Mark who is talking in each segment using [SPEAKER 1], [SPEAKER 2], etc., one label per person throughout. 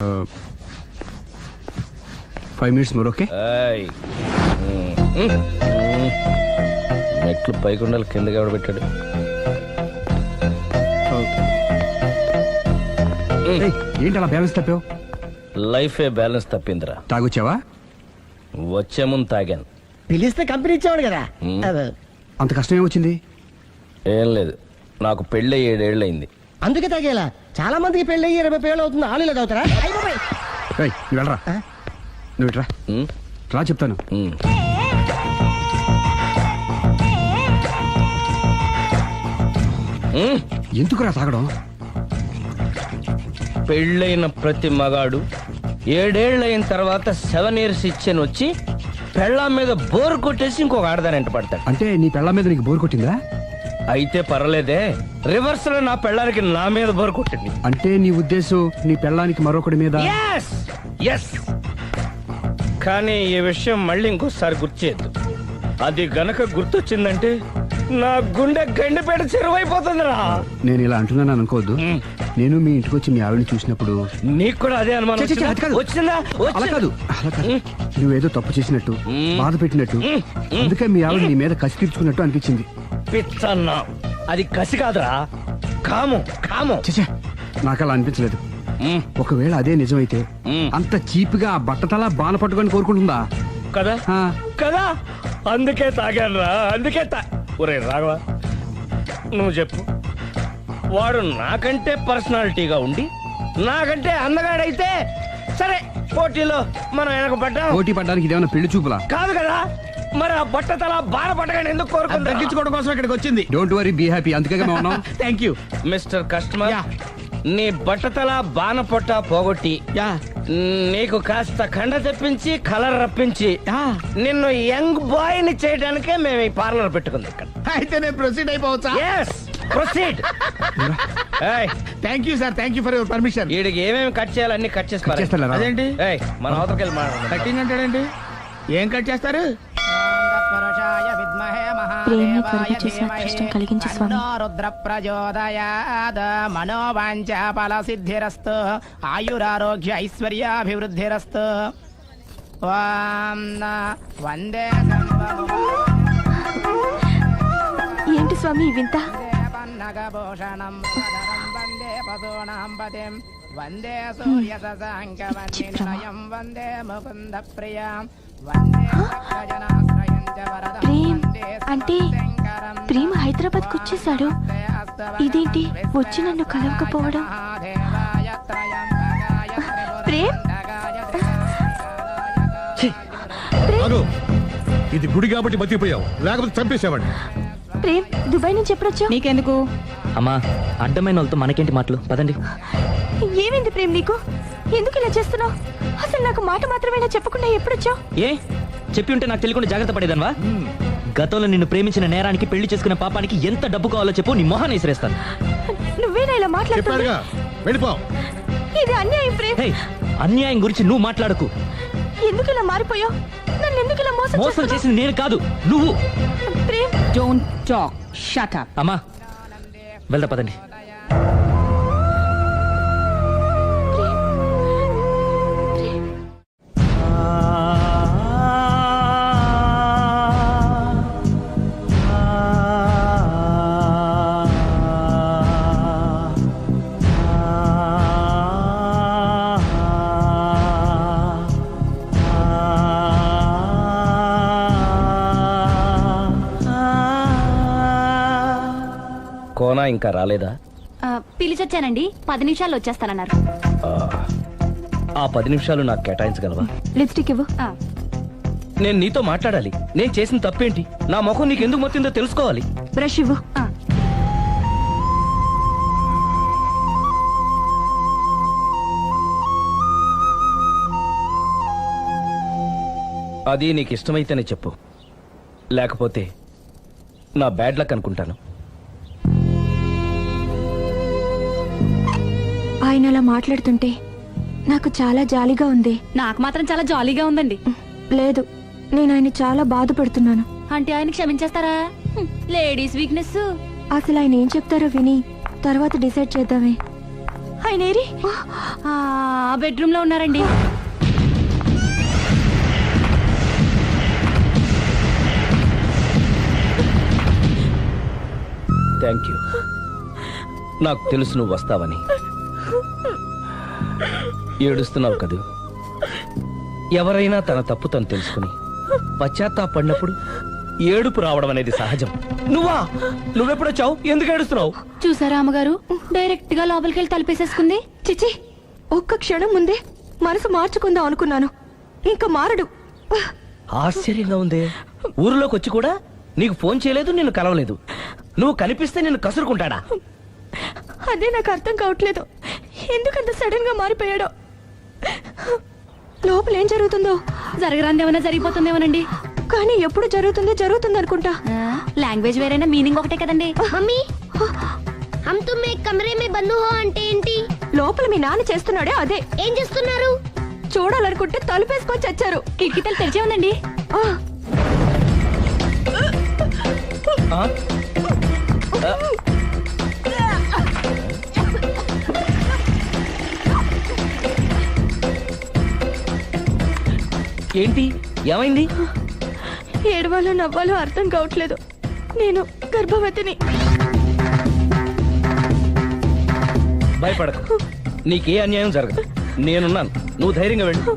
[SPEAKER 1] 5 minutes more, okay?
[SPEAKER 2] మెట్లు పైకి ఉండాలి, కిందకి ఎవడ పెట్టాడు?
[SPEAKER 1] ఏంటి అలా బ్యాలెన్స్ తప్పావు?
[SPEAKER 2] లైఫే బ్యాలెన్స్ తప్పిందిరా.
[SPEAKER 1] తాగొచ్చావా?
[SPEAKER 2] వచ్చే ముందు తాగాను.
[SPEAKER 3] పిలిస్తే కంపెనీ ఇచ్చేవాడు కదా.
[SPEAKER 1] అంత కష్టం ఏమొచ్చింది?
[SPEAKER 2] ఏం లేదు, నాకు పెళ్ళి 7 ఏళ్ళు అయింది.
[SPEAKER 3] అందుకే తాగేలా. చాలా మందికి పెళ్ళి 20 ఏళ్ళు అవుతుంది. ఆలు ఇలా తాగుతారా?
[SPEAKER 1] నువ్వు వెళ్ళరా, నువ్వు ఇట్రా రా చెప్తాను. ఎందుకురా తాగడం?
[SPEAKER 2] పెళ్ళైన ప్రతి మగాడు 7 ఏళ్ళు అయిన తర్వాత 7 years ఇచ్చాను వచ్చి పెళ్ళాం మీద బోరు కొట్టేసి ఇంకొక ఆడదాని ఎంట పడతాడు.
[SPEAKER 1] అంటే నీ పెళ్ళాం మీద నీకు బోరు కొట్టిందా?
[SPEAKER 2] అయితే పర్లేదే, రివర్స్ లో నా పెళ్ళానికి నా మీద బోరు కొట్టింది.
[SPEAKER 1] అంటే నీ ఉద్దేశం నీ పెళ్ళానికి మరొకటి మీద?
[SPEAKER 2] yes. కానీ ఈ విషయం మళ్ళీ ఇంకోసారి గుర్తు చేయద్దు. అది గనక గుర్తొచ్చిందంటే నా గుండె గండిపేట చెరువైపోతుందిరా.
[SPEAKER 1] నేను ఇలా అంటున్నాను అనుకోవద్దు. నేను మీ ఇంటికి వచ్చి మీ ఆవిడని చూసినప్పుడు
[SPEAKER 2] నీకు కూడా అదే అనుమానం వచ్చిందా?
[SPEAKER 1] అలా కాదు, నువ్వేదో తప్పు చేసినట్టు, బాధ పెట్టినట్టు, అందుకే మీ ఆవిడ నీ మీద కసి తీర్చుకున్నట్టు అనిపించింది.
[SPEAKER 2] పిచ్చన్నా, అది కసి కాదురా, కామం.
[SPEAKER 1] చచ్చా, నాకు అలా అనిపించలేదు. ఒకవేళ అదే నిజమైతే అంత చీప్ గా బట్టతలా బాణ పట్టుకొని కోరుకుంటుందా?
[SPEAKER 2] కదా కదా, అందుకే తాగాను రా, అందుకే ఒరే రాఘవ, నువ్వు చెప్పు. వాడు నాకంటే పర్సనాలిటీగా ఉండి నాకంటే అందగాడైతే సరే, పోటీలో మనం వెనకబడ్డా.
[SPEAKER 1] పోటీ పడ్డానికి ఇదేమన్నా పెళ్లి చూపులా?
[SPEAKER 2] కాదు కదా, మరి ఆ బట్టతల బాధ పట్టగానే ఎందుకు కోరుకుంటా?
[SPEAKER 1] తగ్గించుకోవడం కోసం ఇక్కడికి వచ్చింది. Don't worry, be happy. అందుకే మేము ఉన్నాం.
[SPEAKER 3] Thank you
[SPEAKER 2] mister customer. నీ బట్టతల బాణ పొట్ట పోగొట్టి నీకు కాస్త కండ తెప్పించి కలర్ రప్పించి నిన్ను యంగ్ బాయ్ ని చేయడానికే మేము ఈ పార్లర్ పెట్టుకుంది ఇక్కడ.
[SPEAKER 3] అయితే నేను ప్రొసీడ్ అయిపోవచ్చా?
[SPEAKER 2] Proceed.
[SPEAKER 3] Thank you sir, thank you for your permission.
[SPEAKER 2] వీడికి ఏమేమి కట్ చేయాలి అన్ని కట్ చేసి
[SPEAKER 1] చేస్తారా?
[SPEAKER 3] అదేంటి
[SPEAKER 2] మన అవతలకి వెళ్ళి మాట్లాడదాం.
[SPEAKER 3] కట్టింగ్ అంటాడండి. ఏం కట్ చేస్తారు?
[SPEAKER 4] ప్రేమ త్వరగా చేసి అదృష్టం కలిగించు స్వామి.
[SPEAKER 5] రుద్ర ప్రచోదయాద్ మనోవాంఛ ఫల సిద్ధిరస్తు ఆయురారోగ్య ఐశ్వర్యాభివృద్ధిరస్తు. వందే
[SPEAKER 4] ఏంటి స్వామి ఈ వింత?
[SPEAKER 5] పన్నగభూషణం వందే పశూనాం పతిం వందే సూర్య శశాంకవన్నినయం వందే ముకుంద ప్రియం వందే భక్తజనాశ్రయం చ వరదం.
[SPEAKER 4] ప్రేమ్ అంటే ప్రేమ హైదరాబాద్ కు వచ్చేసాడు. ఇదేంటి వచ్చి నన్ను కలవకపోవడం? ప్రేమ్,
[SPEAKER 6] ఇది గుడి కాబట్టి బతికిపోయావు, లేకపోతే చంపేసేవాడిని.
[SPEAKER 4] ప్రేమ్, దుబాయ్ నుంచి ఎప్పుడొచ్చావు?
[SPEAKER 7] నీకెందుకు
[SPEAKER 8] అమ్మా, అడ్డమైన వాళ్ళతో మనకేంటి మాటలు, పదండి.
[SPEAKER 4] ఏమైంది ప్రేమ్ నీకు? ఎందుకు ఇలా చేస్తున్నావు? అసలు నాకు మాట మాత్రమేనా చెప్పకుండా ఎప్పుడొచ్చావు?
[SPEAKER 8] ఏ చెప్పి ఉంటే నాకు తెలియకుండా జాగ్రత్త పడేదన్వా? గతంలో నిన్ను ప్రేమించిన నేరానికి, పెళ్లి చేసుకున్న పాపానికి ఎంత డబ్బు కావాలో చెప్పు, నీ మొహాన్ని విసిరేస్తాను.
[SPEAKER 4] నువ్వేనా ఇలా మాట్లాడుతున్నావు? ఇది అన్యాయం ప్రేమ్.
[SPEAKER 8] అన్యాయం గురించి నువ్వు మాట్లాడకు.
[SPEAKER 4] ఎందుకు ఇలా మారిపోయావు? నన్ను ఎందుకు ఇలా
[SPEAKER 8] మోసం చేసింది నేను కాదు, నువ్వు.
[SPEAKER 4] Prem,
[SPEAKER 7] don't talk, shut up.
[SPEAKER 8] అమ్మా వెళ్దా, పదండి. కోనా ఇంకా రాలేదా?
[SPEAKER 4] పిలిచొచ్చానండి, 10 నిమిషాల్లో వచ్చేస్తానన్నారు.
[SPEAKER 2] ఆ 10 నిమిషాలు నాకు కేటాయించగలవా?
[SPEAKER 4] లిప్స్టిక్ ఇవ్వు.
[SPEAKER 2] నేను నీతో మాట్లాడాలి. నేను చేసిన తప్పేంటి, నా ముఖం నీకు ఎందుకు మొత్తిందో తెలుసుకోవాలి.
[SPEAKER 4] బ్రష్ ఇవ్వు.
[SPEAKER 2] అది నీకు ఇష్టమైతేనే చెప్పు, లేకపోతే నా బ్యాడ్ లక్ అనుకుంటాను.
[SPEAKER 4] ఆయన అలా మాట్లాడుతుంటే నాకు చాలా జాలీగా ఉంది.
[SPEAKER 7] నాకు మాత్రం చాలా జాలీగా ఉందండి.
[SPEAKER 4] లేదు, నేను ఆయన చాలా బాధపడుతున్నాను.
[SPEAKER 7] అంటే ఆయన క్షమించేస్తారా? Ladies weakness.
[SPEAKER 4] అసలు ఆయన ఏం చెప్తారో విని తర్వాత డిసైడ్ చేద్దామే. ఆయన ఏరి
[SPEAKER 7] బెడ్రూమ్ లో ఉన్నారండి.
[SPEAKER 2] Thank you. నాకు తెలుసు నువ్వు వస్తావని. ఏడుస్తున్నావు కదూ. ఎవరైనా తన తప్పు తను తెలుసుకుని పశ్చాత్తాపడినప్పుడు ఏడుపు రావడం అనేది సహజం. నువ్వెప్పుడొచ్చావు? ఎందుకు ఏడుస్తున్నావు?
[SPEAKER 7] చూసారా అమ్మగారు, డైరెక్ట్ గా లోపలికి వెళ్ళి తలుపేసేసుకుంది.
[SPEAKER 4] చిచి, ఒక్క క్షణం ముందే మనసు మార్చుకుందాం అనుకున్నాను, ఇంకా మారడు.
[SPEAKER 2] ఆశ్చర్యంగా ఉందే. ఊరిలోకి వచ్చి కూడా నీకు ఫోన్ చేయలేదు, నిన్ను కలవలేదు. నువ్వు కనిపిస్తే నిన్ను కసురుకుంటాడా?
[SPEAKER 4] అదే నాకు అర్థం కావట్లేదు, ఎందుకంత సడన్ గా మారిపోయాడో. లోపల ఏం జరుగుతుందో,
[SPEAKER 7] జరగరాందేమన్నా జరిగిపోతుందేమోనండి.
[SPEAKER 4] కానీ ఎప్పుడు జరుగుతుంది అనుకుంటా.
[SPEAKER 7] లాంగ్వేజ్ వేరైనా మీనింగ్ ఒకటే కదండి.
[SPEAKER 9] మమ్మీ హమ్ తుమ్ ఏక్ కమరే మే బంద్ హో అంటే ఏంటి?
[SPEAKER 4] లోపల మీ నాన్న చేస్తున్నాడే అదే.
[SPEAKER 9] ఏం చేస్తున్నారు?
[SPEAKER 4] చూడాలనుకుంటే తలుపేసుకొని చచ్చారు.
[SPEAKER 7] కిటికీ తలుపు తెరిచే ఉందండి.
[SPEAKER 2] ఆ? ఏంటి, ఏమైంది?
[SPEAKER 4] ఏడవాలో నవ్వాలో అర్థం కావట్లేదు. నేను గర్భవతిని.
[SPEAKER 2] భయపడకు, నీకే అన్యాయం జరగదు. నేనున్నాను, నువ్వు ధైర్యంగా వెళ్ళు.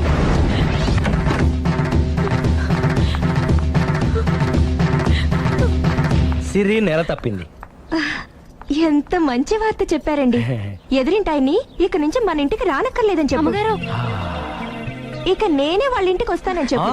[SPEAKER 2] సిరి నెల తప్పింది.
[SPEAKER 4] ఎంత మంచి వార్త చెప్పారండి. ఎదురింటాయన్ని ఇక నుంచి మన ఇంటికి రానక్కర్లేదని చెప్పు.
[SPEAKER 7] అమ్మగారు,
[SPEAKER 4] ఇక నేనే వాళ్ళ ఇంటికి వస్తానని చెప్పు.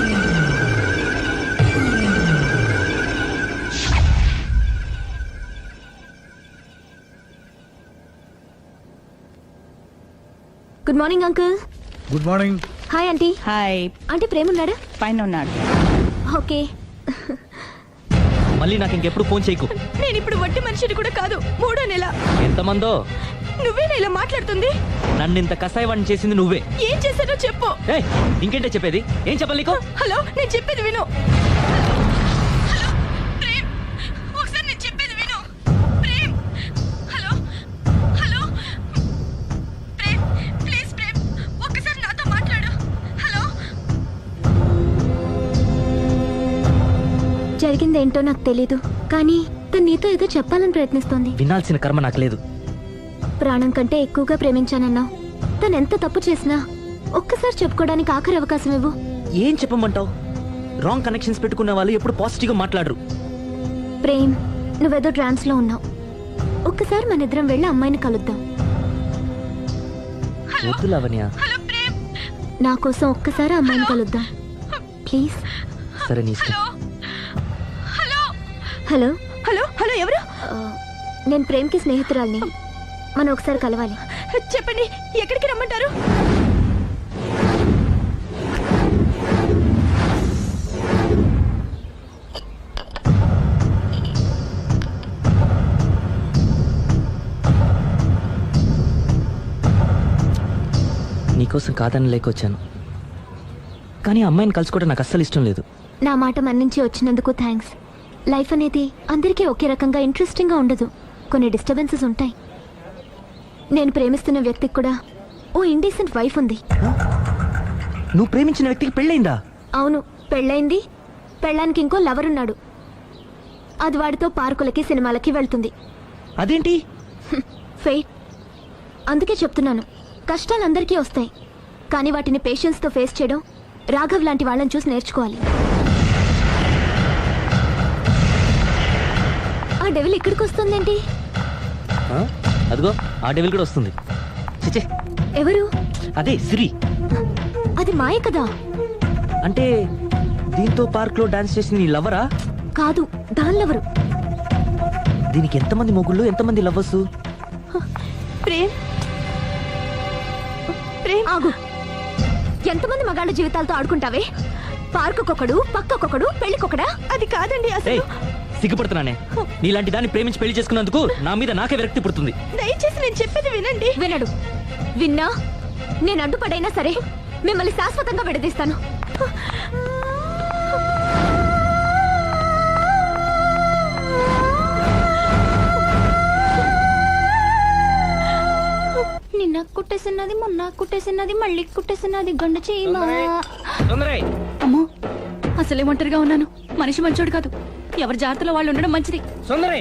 [SPEAKER 4] Good morning uncle.
[SPEAKER 6] Good morning.
[SPEAKER 4] Hi aunty.
[SPEAKER 7] Hi.
[SPEAKER 4] Aunty Prem ఉన్నాడా?
[SPEAKER 7] పైన ఉన్నాడు.
[SPEAKER 4] ఓకే.
[SPEAKER 8] మళ్ళీ నాకు ఇంకెప్పుడు ఫోన్ చేయకు.
[SPEAKER 4] నేను ఇప్పుడు వట్టి మనిషిని కూడా కాదు, 3వ నెల.
[SPEAKER 8] ఎంతమందో
[SPEAKER 4] నువ్వేనా ఇలా మాట్లాడుతుంది?
[SPEAKER 8] నన్ను ఇంత కసాయవాణి చేసింది నువ్వే.
[SPEAKER 4] ఏం చేశానో చెప్పు.
[SPEAKER 8] ఏయ్, ఇంకేంటే చెప్పేది? ఏం చెప్పాలి నీకు?
[SPEAKER 4] హలో, నేను చెప్పేది విను. హలో ప్రేమ్, ఒకసారి నేను చెప్పేది విను. Prem, hello hello Prem, please Prem, ఒక్కసారి నాతో మాట్లాడు. హలో. జరిగిందేంటో నాకు తెలీదు, కానీ తను నీతో ఏదో చెప్పాలని ప్రయత్నిస్తోంది.
[SPEAKER 8] వినాల్సిన కర్మ నాకు లేదు.
[SPEAKER 4] ప్రాణం కంటే ఎక్కువగా ప్రేమించానన్నావు. తను ఎంత తప్పు చేసినా ఒక్కసారి చెప్పుకోవడానికి ఆఖరి అవకాశం ఇవ్వు.
[SPEAKER 8] ఏం చెప్పమంటావు? రాంగ్ కనెక్షన్స్ పెట్టుకున్న వాళ్ళు ఎప్పుడు పాజిటివ్ గా మాట్లాడరు.
[SPEAKER 4] ప్రేమ్, నువ్వేదో ట్రాన్స్ లో ఉన్నావు. ఒక్కసారి మన ఇద్దరం వెళ్ళి అమ్మాయిని కలుద్దాం.
[SPEAKER 8] వద్దు లావణ్య.
[SPEAKER 4] నా కోసం ఒక్కసారి అమ్మాయిని కలుద్దాం ప్లీజ్.
[SPEAKER 8] సరే, నీ ఇష్టం.
[SPEAKER 4] హలో హలో హలో, ఎవరు? నేను ప్రేమ్కి స్నేహితురాల్ని. మనం ఒకసారి కలవాలి. చెప్పండి, ఎక్కడికి రమ్మంటారు?
[SPEAKER 8] నీకోసం కాదని లేకొచ్చాను, కానీ అమ్మాయిని కలుసుకోవడం నాకు అస్సలు ఇష్టం లేదు.
[SPEAKER 4] నా మాట మన్నించి వచ్చినందుకు థ్యాంక్స్. లైఫ్ అనేది అందరికీ ఒకే రకంగా ఇంట్రెస్టింగ్గా ఉండదు, కొన్ని డిస్టర్బెన్సెస్ ఉంటాయి. నేను ప్రేమిస్తున్న వ్యక్తికి కూడా ఓ ఇండీసెంట్ వైఫ్ ఉంది.
[SPEAKER 8] నువ్వు ప్రేమించిన వ్యక్తికి పెళ్ళైందా?
[SPEAKER 4] అవును, పెళ్ళైంది. పెళ్ళానికి ఇంకో లవర్ ఉన్నాడు. అది వాడితో పార్కులకి సినిమాలకి వెళ్తుంది.
[SPEAKER 8] అదేంటి?
[SPEAKER 4] ఫెయిట్. అందుకే చెప్తున్నాను, కష్టాలు అందరికీ వస్తాయి, కానీ వాటిని పేషెన్స్తో ఫేస్ చేయడం రాఘవ్ లాంటి వాళ్ళని చూసి నేర్చుకోవాలి. ఆ డెవిల్ ఇక్కడికి వస్తుందేంటి?
[SPEAKER 8] అదిగో ఆ డెవిల్ కూడా వస్తుంది. చిచే,
[SPEAKER 4] ఎవరు?
[SPEAKER 8] అదే సిరి.
[SPEAKER 4] అది మాయ కదా.
[SPEAKER 8] అంటే దీంతో పార్క్ లో డాన్స్ చేసిన నీ లవరా?
[SPEAKER 4] కాదు, దానిలెవరు?
[SPEAKER 8] దీనికి ఎంతమంది మొగుళ్ళు, ఎంతమంది లవ్వర్స్?
[SPEAKER 4] ప్రేమ్, ప్రేమ్ ఆగు. ఎంతమంది మగాళ్ళ జీవితాలతో ఆడుకుంటావే? పార్కుకొకడు, పక్కకొకడు, పెళ్లికొకడా? అది కాదండి అసలు.
[SPEAKER 8] సిగ్గుపడుతున్నానే. నీలాంటి దాన్ని ప్రేమించి పెళ్లి చేసుకున్నందుకు నా మీద నాకే విరక్తి పుడుతుంది.
[SPEAKER 4] దయచేసి నేను చెప్పేది వినండి. వినడు. విన్నా నేను అడ్డుపడైనా సరే మిమ్మల్ని శాశ్వతంగా విడదీస్తాను.
[SPEAKER 7] నిన్న కుట్టేసినది మొన్న కుట్టేసినది మళ్ళీ కుట్టేసినది గండు చీమ.
[SPEAKER 2] సుందరై
[SPEAKER 7] అమ్మో అసలే ఒంటరిగా ఉన్నాను. మనిషి మంచోడు కాదు. ఎవరి జాగ్రత్తలో వాళ్ళు ఉండడం మంచిది.
[SPEAKER 2] సుందరై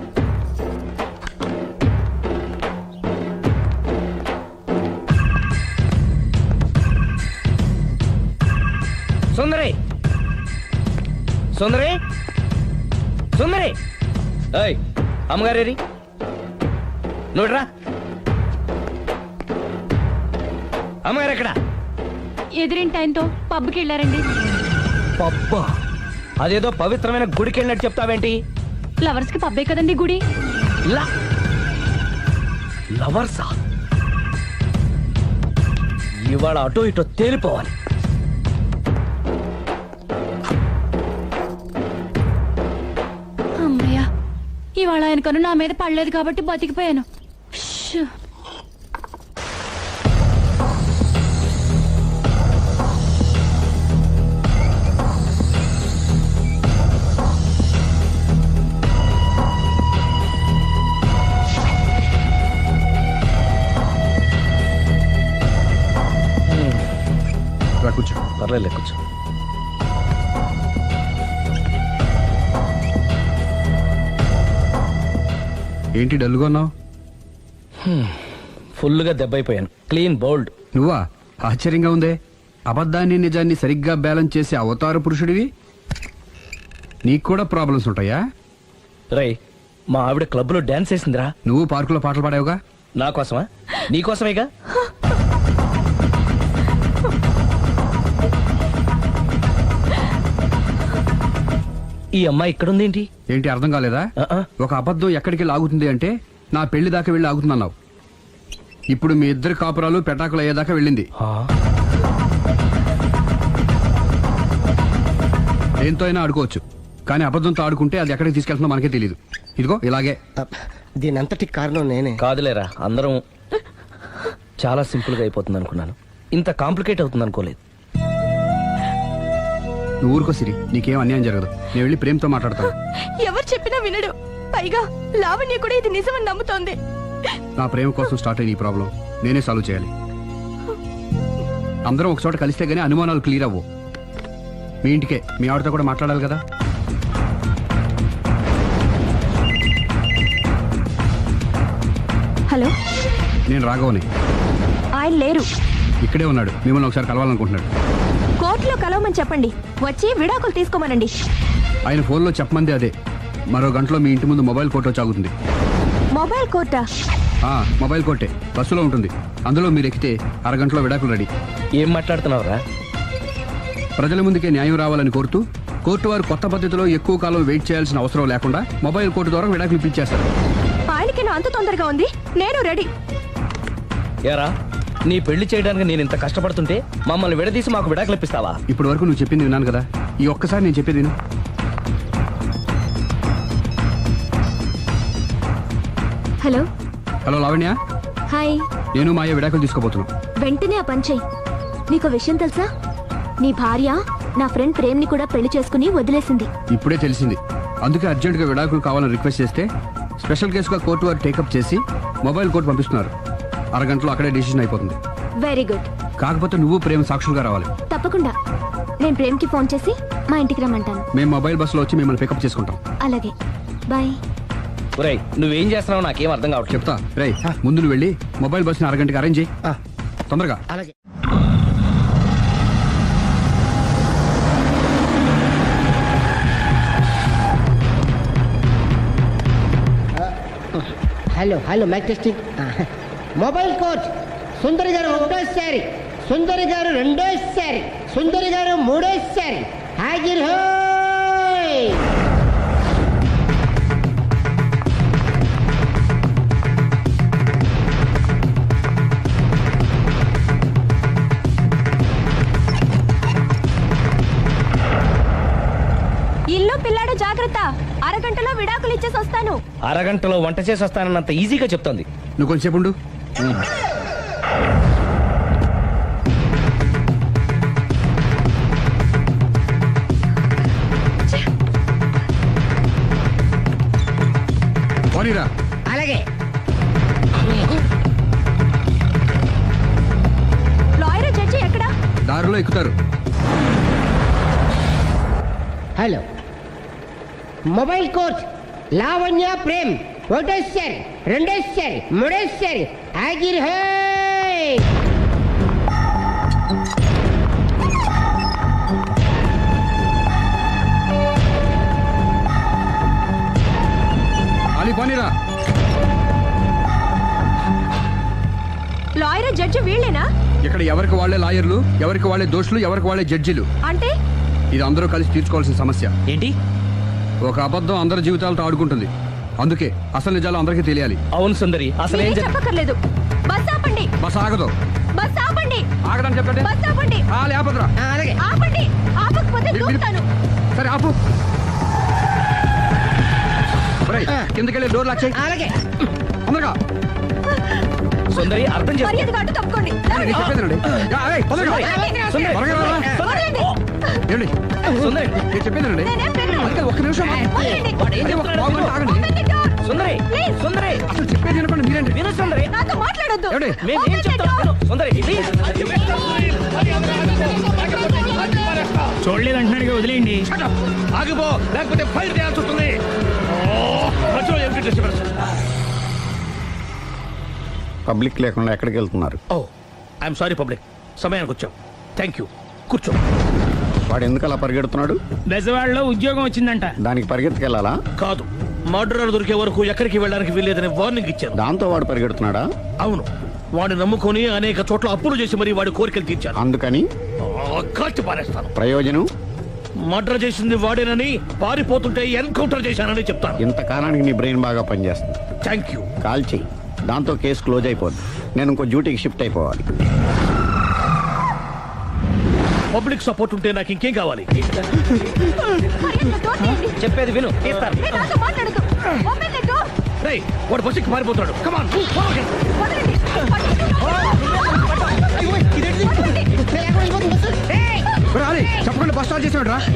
[SPEAKER 2] సుందరై సుందరై సుందరై ఏయ్ అమ్మగారేరి నువ్వురా అమ్మగారు ఎక్కడ?
[SPEAKER 7] ఎదిరింటి ఆయనతో పబ్కి వెళ్ళారండి.
[SPEAKER 2] పబ్బా అదేదో పవిత్రమైన గుడికి వెళ్ళినట్టు చెప్తావేంటి?
[SPEAKER 7] లవర్స్ కి పబ్బే కదండి గుడి.
[SPEAKER 2] లవర్సా? ఇవాళ అటో ఇటో తేలిపోవాలి.
[SPEAKER 7] అమ్మయ్య ఇవాళ ఆయన కను నా మీద పడలేదు కాబట్టి బతికిపోయాను. ష్.
[SPEAKER 1] రా కూర్చో.
[SPEAKER 2] పర్లేదు కూర్చో.
[SPEAKER 1] ఏంటి డల్గా ఉన్నావు?
[SPEAKER 2] ఫుల్గా దెబ్బైపోయాను. Clean bowled.
[SPEAKER 1] నువ్వా? ఆశ్చర్యంగా ఉందే. అబద్ధాన్ని నిజాన్ని సరిగ్గా బ్యాలెన్స్ చేసే అవతార పురుషుడివి. నీకు కూడా ప్రాబ్లమ్స్ ఉంటాయా?
[SPEAKER 2] రై మా ఆవిడ క్లబ్లో డాన్స్ వేసిందిరా.
[SPEAKER 1] నువ్వు పార్కులో పాటలు పాడావుగా.
[SPEAKER 2] నా కోసమా? నీకోసమేగా. ఈ అమ్మాయి ఇక్కడుందేంటి?
[SPEAKER 1] ఏంటి అర్థం కాలేదా? ఒక అబద్ధం ఎక్కడికి లాగుతుంది అంటే నా పెళ్లి దాకా వెళ్ళి ఆగుతుందన్నావు. ఇప్పుడు మీ ఇద్దరి కాపురాలు పెటాకులు అయ్యేదాకా వెళ్ళింది. దేంతో అయినా ఆడుకోవచ్చు, కానీ అబద్ధంతో ఆడుకుంటే అది ఎక్కడికి తీసుకెళ్తుందో మనకే తెలియదు. ఇదిగో ఇలాగే.
[SPEAKER 3] దీని అంతటి కారణం నేనే.
[SPEAKER 2] కాదులేరా, అందరం చాలా సింపుల్గా అయిపోతుంది అనుకున్నాను. ఇంత కాంప్లికేట్ అవుతుంది అనుకోలేదు.
[SPEAKER 1] నువ్వు ఊరుకో సిరి, నీకేం అన్యాయం జరగదు. నేను వెళ్ళి ప్రేమతో మాట్లాడతాను.
[SPEAKER 7] ఎవరు చెప్పినా వినడు. పైగా లావణ్య కూడా ఇది నిజమని నమ్ముతోంది.
[SPEAKER 1] నా ప్రేమ కోసం స్టార్ట్ అయిన ఈ ప్రాబ్లం నేనే సాల్వ్ చేయాలి. అందరం ఒక చోట కలిస్తే గానీ అనుమానాలు క్లియర్ అవ్వు. మీ ఇంటికే, మీ ఆవిడతో కూడా మాట్లాడాలి కదా.
[SPEAKER 7] హలో,
[SPEAKER 1] నేను రాఘవని.
[SPEAKER 7] ఆయన లేరు.
[SPEAKER 1] ఇక్కడే ఉన్నాడు. మిమ్మల్ని ఒకసారి కలవాలనుకుంటున్నాడు.
[SPEAKER 7] కోర్టులో కలవమని చెప్పండి. వచ్చి విడాకులు తీసుకోమనండి.
[SPEAKER 1] ఆయన ఫోన్లో చెప్పమంది అదే. మరో గంటలో మీ ఇంటి ముందు మొబైల్ కోర్టు వచ్చి ఆగుతుంది.
[SPEAKER 7] మొబైల్ కోర్టా?
[SPEAKER 1] మొబైల్ కోర్టే బస్సులో ఉంటుంది. అందులో మీరు ఎక్కితే అరగంటలో విడాకులు రెడీ.
[SPEAKER 2] ఏం మాట్లాడుతున్నావురా?
[SPEAKER 1] ప్రజల ముందుకే న్యాయం రావాలని కోరుతూ కోర్టు వారు కొత్త పద్ధతిలో ఎక్కువ కాలం వెయిట్ చేయాల్సిన అవసరం లేకుండా మొబైల్ కోర్టు ద్వారా విడాకులు ఇప్పించేస్తారు.
[SPEAKER 7] ఆయనకి నా అంత తొందరగా ఉంది. నేను రెడీ.
[SPEAKER 2] ఏరా, నీ పెళ్లి చేయడానికి నేను ఇంత కష్టపడుతుంటే మమ్మల్ని విడదీసి మాకు విడాకులు ఇప్పిస్తావా?
[SPEAKER 1] ఇప్పటి వరకు నువ్వు చెప్పింది విన్నాను కదా, ఈ ఒక్కసారి నేను చెప్పేది విను.
[SPEAKER 4] హలో.
[SPEAKER 1] Hello Lavanya,
[SPEAKER 4] hi.
[SPEAKER 1] నేను మాయ విడాకులు తీసుకోబోతున్నాను.
[SPEAKER 4] వెంటనే ఆ పని చెయ్యి. నీకు విషయం తెలుసా? నీ భార్య నా ఫ్రెండ్ ప్రేమ్ని కూడా పెళ్లి చేసుకుని వదిలేసింది.
[SPEAKER 1] ఇప్పుడే తెలిసింది. అందుకే అర్జెంటుగా విడాకులు కావాలని రిక్వెస్ట్ చేస్తే స్పెషల్ కేసుగా కోర్టు వారు టేకప్ చేసి మొబైల్ కోర్టు పంపిస్తున్నారు. అరగంటలో అక్కడే డిసిషన్ అయిపోతుంది.
[SPEAKER 4] Very good.
[SPEAKER 1] కాకపోతే నువ్వు ప్రేమ సాక్షులుగా రావాలి.
[SPEAKER 4] తప్పకుండా. నేను ప్రేమ్కి ఫోన్ చేసి మా ఇంటికి రమ్మంటాను.
[SPEAKER 1] మేము మొబైల్ బస్సులో వచ్చి మిమ్మల్ని పికప్ చేసుకుంటాం.
[SPEAKER 4] అలాగే, బాయ్.
[SPEAKER 2] ఒరేయ్, నువ్వేం చేస్తున్నావు నాకేం అర్థం కావట్లేదు.
[SPEAKER 1] చెప్తా. రేయ్, ముందు నువ్వు వెళ్ళి మొబైల్ బస్సుని అరగంటకి అరేంజ్ చేయి. తొందరగా.
[SPEAKER 3] అలాగే. Hello hello mike testing. Mobile coach Sundari garu ఒకటోసారి, సుందరి గారు రెండోసారి, సుందరి గారు మూడోసారి. హాజర్ హోయ్.
[SPEAKER 7] ఇల్లు పిల్లాడు జాగ్రత్త. అరగంటలో విడాకులు ఇచ్చేసి వస్తాను.
[SPEAKER 2] అరగంటలో వంట చేసి వస్తానన్నంత ఈజీగా చెప్తోంది.
[SPEAKER 1] నువ్వు కొంచెంసేపు ఉండు. పోనీరా.
[SPEAKER 3] అలాగే.
[SPEAKER 1] దారిలో ఎక్కుతారు.
[SPEAKER 3] Hello, mobile coach Lavanya Prem ఒకటోసారి, రెండోసారి, మూడోసారి హాజరు హై.
[SPEAKER 1] అలీ పోనీరా.
[SPEAKER 4] లాయర్ జడ్జి వీళ్ళేనా?
[SPEAKER 1] ఇక్కడ ఎవరికి వాళ్ళే లాయర్లు, ఎవరికి వాళ్ళే దోషులు, ఎవరికి వాళ్ళే జడ్జిలు.
[SPEAKER 4] అంటే
[SPEAKER 1] ఇది అందరూ కలిసి తీర్చుకోవాల్సిన సమస్య.
[SPEAKER 8] ఏంటి?
[SPEAKER 1] ఒక అబద్ధం అందరి జీవితాలతో ఆడుకుంటుంది. అందుకే అసలు నిజాలు అందరికీ తెలియాలి.
[SPEAKER 2] అవును సుందరి, అసలు ఏం
[SPEAKER 4] చెప్పక్కర్లేదు. బస్ ఆపండి.
[SPEAKER 1] బస్ ఆగదు.
[SPEAKER 4] బస్ ఆపండి.
[SPEAKER 1] ఆగదని చెప్పండి.
[SPEAKER 4] బస్ ఆపండి.
[SPEAKER 1] లేపదురా.
[SPEAKER 3] అలాగే
[SPEAKER 4] ఆపండి. ఆపకపోతే దూకుతాను.
[SPEAKER 1] సరే ఆపు. కిందకెళ్ళి డోర్ లాక్ చేయి.
[SPEAKER 3] అలాగే.
[SPEAKER 1] తొందరగా.
[SPEAKER 2] సుందరి అర్థం చేసుకో.
[SPEAKER 4] మర్యాదగా అడ్డు తప్పుకోండి.
[SPEAKER 1] నేను చెప్పేదేనండి. తొందరగా.
[SPEAKER 2] సుందరి,
[SPEAKER 1] త్వరగా రారా.
[SPEAKER 4] వదలండి.
[SPEAKER 1] ఏమండి?
[SPEAKER 2] సుందరి,
[SPEAKER 1] నేను చెప్పేదేనండి.
[SPEAKER 4] నేనేం పెట్టను.
[SPEAKER 1] అందుకే ఒక్క నిమిషం.
[SPEAKER 4] వదలండి.
[SPEAKER 1] అదే ఒక పావుగంట ఆగండి.
[SPEAKER 4] Open the door.
[SPEAKER 2] Sundari,
[SPEAKER 4] Please.
[SPEAKER 2] సుందరి,
[SPEAKER 1] అసలు చెప్పేది వినపండి మీరేంటి.
[SPEAKER 2] విను సుందరి.
[SPEAKER 4] నాతో మాట్లాడొద్దు.
[SPEAKER 1] ఏమండి?
[SPEAKER 2] మేము ఏం
[SPEAKER 4] Open the
[SPEAKER 2] చెప్తాం
[SPEAKER 4] door.
[SPEAKER 2] విను. సుందరి ప్లీజ్.
[SPEAKER 10] చూడలేదు అంటున్నాడు, వదిలేయండి.
[SPEAKER 6] ఆగిపో, లేకపోతే ఫైర్ చేయాల్సి వస్తుంది.
[SPEAKER 11] పబ్లిక్ లేకుండా ఎక్కడికి వెళ్తున్నారు?
[SPEAKER 6] ఓ ఐఎమ్ సారీ పబ్లిక్, సమయానికి వచ్చాం. థ్యాంక్ యూ, కూర్చో.
[SPEAKER 11] వాడు ఎందుకు అలా పరిగెడుతున్నాడు?
[SPEAKER 10] బెజవాడలో ఉద్యోగం వచ్చిందంట.
[SPEAKER 11] దానికి పరిగెత్తుకెళ్ళాలా?
[SPEAKER 6] కాదు, మర్డరర్ దొరికే వరకు ఎక్కడికి వెళ్ళడానికి వీల్లేదని వార్నింగ్ ఇచ్చాను.
[SPEAKER 11] దాంతో వాడు పరిగెడుతున్నాడా?
[SPEAKER 6] అవును, వాడిని నమ్ముకొని అనేక చోట్ల అప్పులు చేసి మరి వాడి కోరికలు తీర్చాను.
[SPEAKER 11] అందుకని
[SPEAKER 6] కాల్చి పారేస్తాను.
[SPEAKER 11] ప్రయోజనం?
[SPEAKER 6] మర్డర్ చేసింది వాడేనని, పారిపోతుంటే ఎన్కౌంటర్ చేశానని చెప్తాను.
[SPEAKER 11] ఇంతకాలానికి నీ బ్రెయిన్ బాగా పనిచేస్తుంది.
[SPEAKER 6] Thank you.
[SPEAKER 11] కాల్ చెయ్యి, దాంతో కేసు క్లోజ్ అయిపోద్ది. నేను ఇంకో డ్యూటీకి షిఫ్ట్ అయిపోవాలి.
[SPEAKER 6] పబ్లిక్ సపోర్ట్ ఉంటే నాకు ఇంకేం కావాలి?
[SPEAKER 4] మర్యాదగా door తీయండి.
[SPEAKER 2] చెప్పేది విను, తీస్తాను.
[SPEAKER 4] మీరు నాతో మాట్లాడొద్దు. Open the door.
[SPEAKER 6] రేయ్, వాడు బస్సుకి పారిపోతాడు. కమాన్.
[SPEAKER 4] వదలండి.
[SPEAKER 1] అలీ చెప్పకుండా బస్ స్టార్ట్ చేసాడు రా.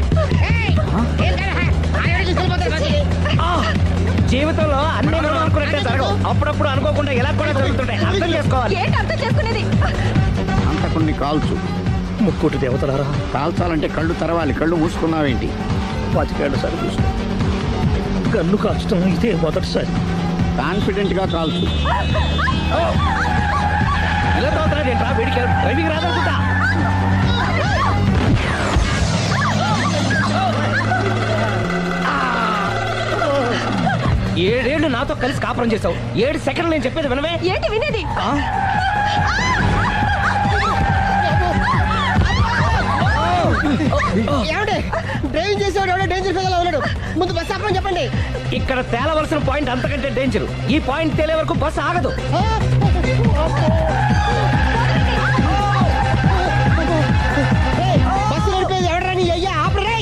[SPEAKER 2] జీవితంలో అన్ని మనం అనుకున్నట్టే జరగవు. అప్పుడప్పుడు అనుకోకుండా ఇలా కూడా జరుగుతుంటాయి. అర్థం చేసుకోవాలి.
[SPEAKER 4] ఏంటి అర్థం చేసుకునేది?
[SPEAKER 11] అంతకుని కాల్చు.
[SPEAKER 6] ముక్కోటి దేవతలారా,
[SPEAKER 11] కాల్చాలంటే కళ్ళు తెరవాలి. కళ్ళు మూసుకున్నావేంటి?
[SPEAKER 6] 25 సార్లు చూసుకో. గన్ను కాల్చడం ఇదే మొదటిసారి.
[SPEAKER 11] కాన్ఫిడెంట్ గా కాల్చు.
[SPEAKER 2] ఇలా తోతున్నాడు ఏంట్రా? వీడికి డ్రైవింగ్ రాదనుకుంటా. ఏడేళ్లు నాతో కలిసి కాపురం చేసావు. 7 సెకండ్లు నేను చెప్పేది వినవే.
[SPEAKER 4] ఏంటి వినేది?
[SPEAKER 3] ఏమండి, డ్రైవింగ్ చేసేవాడు ఎవడో డేంజర్ ఫీల్ ఉన్నాడు. ముందు బస్ ఆపమని చెప్పండి.
[SPEAKER 2] ఇక్కడ తేలవలసిన పాయింట్ అంతకంటే డేంజర్. ఈ పాయింట్ తేలే వరకు బస్సు ఆగదు.
[SPEAKER 3] బస్సు నడిపేది ఎవడరా నీ అయ్యా? ఆపరే.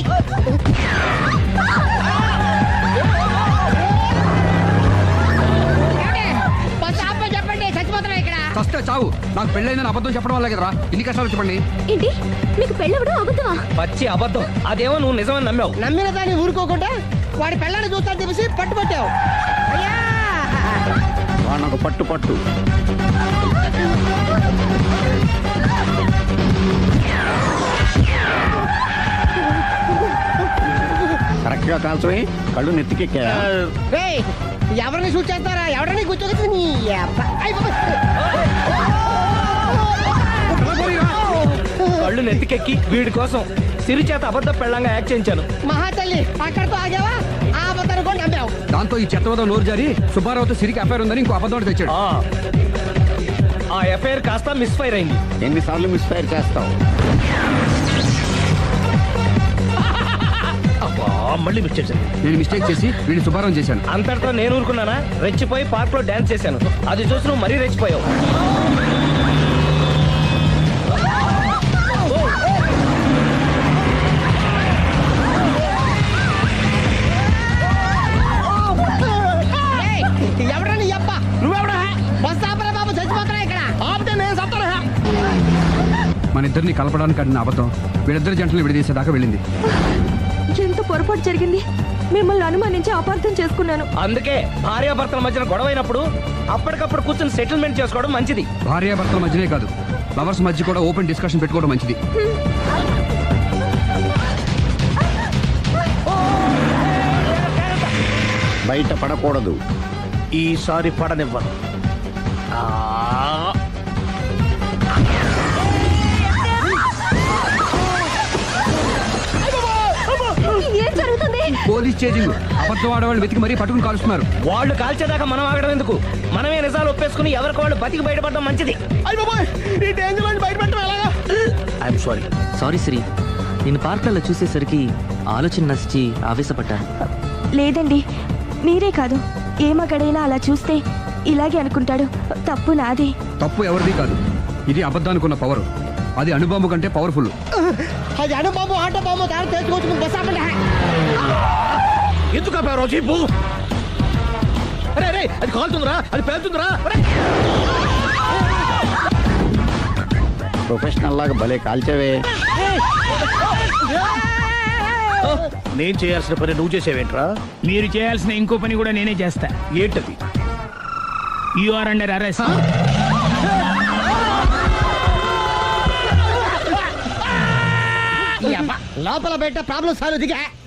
[SPEAKER 3] బస్సు ఆపమని చెప్పండి, చచ్చిపోతున్నా ఇక్కడ.
[SPEAKER 1] ఫస్ట్ చావు. నాకు పెళ్ళైందని అబద్ధం చెప్పడం వల్ల కదరా ఇన్ని కష్టాలు చెప్పండి.
[SPEAKER 4] ఏంటి మీకు పెళ్ళవడం అబద్ధమా?
[SPEAKER 2] పచ్చి అబద్ధం. అదేమో నువ్వు నిజమని నమ్మావు.
[SPEAKER 3] నమ్మిన దాన్ని ఊరుకోకుండా వాడి పిల్లని చూస్తాను చెప్పేసి పట్టుబట్టావు. అయ్యా,
[SPEAKER 11] వాడిని ఒక పట్టు పట్టు. కరెక్ట్ గా కాల్చవే. కళ్ళు నెత్తికెక్కా?
[SPEAKER 3] రేయ్, ఎవరిని షూట్ చేస్తారా? ఎవరిని కూర్చోగచ్చు నీ అబ్బ. అయ్ బాబోయ్.
[SPEAKER 2] కళ్ళు నెత్తికెక్కి వీడి కోసం సిరి చేత అబద్ధ పెళ్ళంగా యాక్ట్ చేయించాను.
[SPEAKER 3] మహాతల్లి, అక్కడితో ఆగావా? ఆ అబద్ధాన్ని కూడా నమ్మావు.
[SPEAKER 1] దాంతో ఈ చెత్తవద నోరు జారి సుబ్బారావుతో సిరికి అఫైర్ ఉందని ఇంకో అబద్ధం తెచ్చాడు.
[SPEAKER 2] ఆ ఎఫ్ఐఆర్ కాస్త మిస్ఫైర్ అయింది.
[SPEAKER 11] ఎన్నిసార్లు మిస్ఫైర్ చేస్తావు?
[SPEAKER 6] అబ్బా, మళ్ళీ మిస్ చేశాను.
[SPEAKER 1] నేను మిస్టేక్ చేసి వీడిని సుబ్బారావు చేశాను.
[SPEAKER 2] అంతటితో నేను ఊరుకున్నానా? రెచ్చిపోయి పార్క్ లో డాన్స్ చేశాను. అది చూసి నువ్వు మరీ రెచ్చిపోయావు.
[SPEAKER 3] రేయ్, ఎవరా నీ అబ్బ? నువ్వెవడా? బస్ ఆపరా బాబు, చచ్చిపోతున్నా ఇక్కడ. ఆపితే నేను సత్తారా?
[SPEAKER 1] మన ఇద్దరిని కలపడానికి ఆడిన అబద్ధం వీళ్ళిద్దరి జంటలు విడదీసేదాకా వెళ్ళింది.
[SPEAKER 4] ఎంత పొరపాటు జరిగింది. మిమ్మల్ని అనుమానించి అపార్థం చేసుకున్నాను.
[SPEAKER 2] అందుకే భార్యాభర్తల మధ్యన గొడవైనప్పుడు అప్పటికప్పుడు కూర్చొని సెటిల్మెంట్ చేసుకోవడం మంచిది.
[SPEAKER 1] భార్యాభర్తల మధ్యనే కాదు, లవర్స్ మధ్య కూడా ఓపెన్ డిస్కషన్ పెట్టుకోవడం మంచిది.
[SPEAKER 11] బయట పడకూడదు.
[SPEAKER 6] ఈసారి పడనివ్వను.
[SPEAKER 4] ఏం జరుగుతుంది?
[SPEAKER 1] Police chasing. అబద్ధం ఆడవాళ్ళు వెతికి మరీ పట్టుకుని కాలుస్తున్నారు.
[SPEAKER 2] వాళ్ళు కాల్చేదాకా మనం ఆగడం ఎందుకు? మనమే నిజాలు ఒప్పేసుకుని ఎవరికి వాళ్ళు బతికి బయటపడడం మంచిది.
[SPEAKER 6] I'm sorry.
[SPEAKER 8] సారీ శ్రీ, నేను పార్కులలో చూసేసరికి ఆలోచన నచ్చి ఆవేశపడ్డాను.
[SPEAKER 12] లేదండి, మీరే కాదు ఏ మగాడైనా అలా చూస్తే ఇలాగే అనుకుంటాడు. తప్పు నాది.
[SPEAKER 1] తప్పు ఎవరిది కాదు. ఇది అబద్ధానికి ఉన్న పవర్. అది అణుబాంబు కంటే పవర్ఫుల్.
[SPEAKER 3] అది అణుబాంబు ఆటో బాంబు దారి తెచ్చుకోవచ్చు. బస్ ఆపండి.
[SPEAKER 6] ఎందుకు ఆపారో చెప్పు. అరే అది కాలుతుందిరా, అది పేలుతుందిరా.
[SPEAKER 11] ప్రొఫెషనల్ లాగా భలే కాల్చేవే.
[SPEAKER 6] నేను చేయాల్సిన పని నువ్వు చేసేవేంట్రా?
[SPEAKER 10] మీరు చేయాల్సిన ఇంకో పని కూడా నేనే చేస్తా.
[SPEAKER 6] ఏంటది?
[SPEAKER 10] You are under arrest.
[SPEAKER 3] లోపల పెట్ట ప్రాబ్లం సాల్వ్ దిగా.